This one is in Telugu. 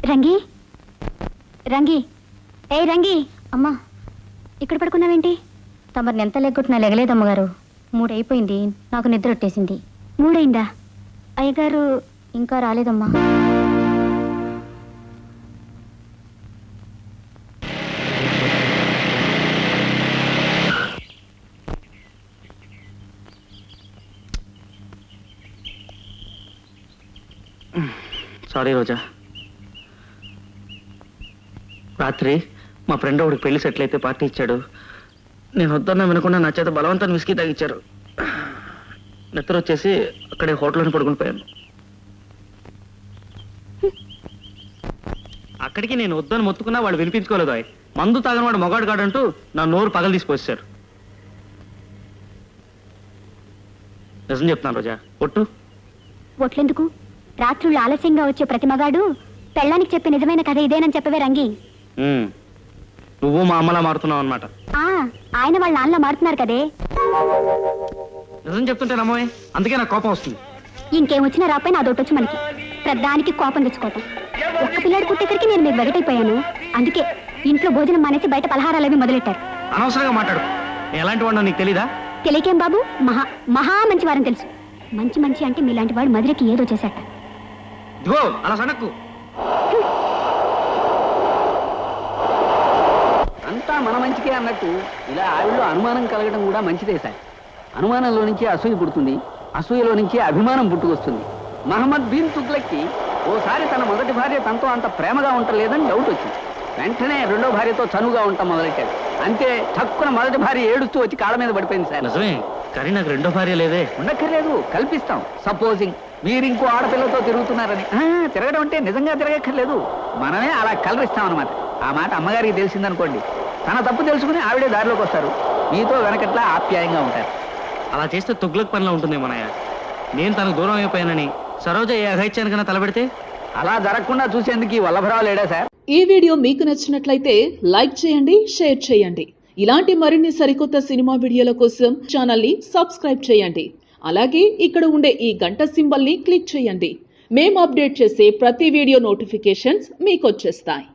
రంగి రంగి ఏ రంగి అమ్మా ఇక్కడ పడుకున్నావేంటి? తమరిని ఎంత లెగ్గొట్టినా లెగలేదమ్మగారు. 3 అయిపోయింది, నాకు నిద్ర వచ్చేసింది. 3 అయిందా? అయ్యగారు ఇంకా రాలేదమ్మా. సారీ రోజా, రాత్రి మా ఫ్రెండ్ ఒకడికి పెళ్లి సెటిల్ అయితే పార్టీ ఇచ్చాడు. నేను వద్దన్నా వినకుండా నా చేత బలవంతాన్ని విసికి తాగిచ్చారు. నిద్ర వచ్చేసి అక్కడే హోటల్లోనే పడుకుని పోయాను. అక్కడికి నేను వద్దని మొత్తుకున్నా వాళ్ళు వినిపించుకోలేదు. మందు తాగని వాడు మొగాడు కాడంటూ నా నోరు పగలు తీసుకొచ్చారు. నిజం చెప్తున్నాను రోజా, ఒట్టు. ఒట్లెందుకు? రాత్రుళ్ళు ఆలస్యంగా వచ్చే ప్రతి మగాడు పెళ్ళానికి చెప్పే నిజమైన కథ ఇదేనని చెప్పవే రంగి. నువ్వు మా అమ్మలా మారుతున్నావు అన్నమాట. ఆయన వాళ్ళ నాన్నలా మారుతున్నారు కదే. నిజం చెప్తుంటే నమ్మవే, అందుకే నాకు కోపం వస్తుంది. ఇంకేం వచ్చినా రాపై నా దొట్టొచ్చు మనకి. ప్రధానికి కోపం తెచ్చుకోవటం. ఒక్క పిల్లాడు పుట్టేసరికి నేను మీకు వెగటైపోయాను. అందుకే ఇంట్లో భోజనం మానేసి బయట పలహారాలు అవి మొదలెట్టారు. అనవసరంగా మాట్లాడు. నేను ఎలాంటి వాడినో నీకు తెలీదా? తెలియకేం బాబు, మహా మంచి వారని తెలుసు. మంచి అంటే మీలాంటి వాడు మధురకి ఏదో చేశాట. ఇదిగో అలా సనక్కు. అంతా మన మంచికే అన్నట్టు ఇలా ఆవిడలో అనుమానం కలగడం కూడా మంచిదే సార్. అనుమానంలో నుంచి అసూయ పుడుతుంది, అసూయలో నుంచి అభిమానం పుట్టుకొస్తుంది. మహమ్మద్ బిన్ తుగ్లక్కి ఓసారి తన మొదటి భార్య తనతో అంత ప్రేమగా ఉండలేదని డౌట్ వచ్చింది. వెంటనే రెండో భార్యతో చనువుగా ఉంటాం మొదలెట్టాడు. అంతే, తక్కువ మొదటి భార్య ఏడుస్తూ వచ్చి కాళ్ళ మీద పడిపోయింది సార్. నిజమే, కానీ నాకు రెండో భార్య లేదే. ఉండక్కర్లేదు, కల్పిస్తాం. సపోజింగ్ మీరు ఇంకో ఆడపిల్లతో తిరుగుతున్నారని. తిరగడం అంటే నిజంగా తిరగక్కర్లేదు, మనమే అలా కలరిస్తాం అనమాట. ఆ మాట అమ్మగారికి తెలిసిందనుకోండి, తన తప్పు తెలుసుకుని ఆవిడే దారిలోకి వస్తారు. మీతో వెనకట్లా ఆప్యాయంగా ఉంటారు. అలా చేస్తే తుగ్లక్ పనిలో ఉంటుంది మనయ్య. నేను తనకు దూరం అయిపోయానని సరోజ ఏ అఘైత్యానికన్నా తలబెడితే అలా జరగకుండా చూసేందుకు ఈ వల్లభరావు లేడా సార్? ఈ వీడియో మీకు నచ్చినట్లయితే లైక్ చేయండి, షేర్ చేయండి. ఇలాంటి మరిన్ని సరికొత్త సినిమా వీడియోల కోసం ఛానల్ ని సబ్స్క్రైబ్ చేయండి. అలాగే ఇక్కడ ఉండే ఈ గంట సింబల్ ని క్లిక్ చేయండి. మేము అప్డేట్ చేసే ప్రతి వీడియో నోటిఫికేషన్స్ మీకు వచ్చేస్తాయి.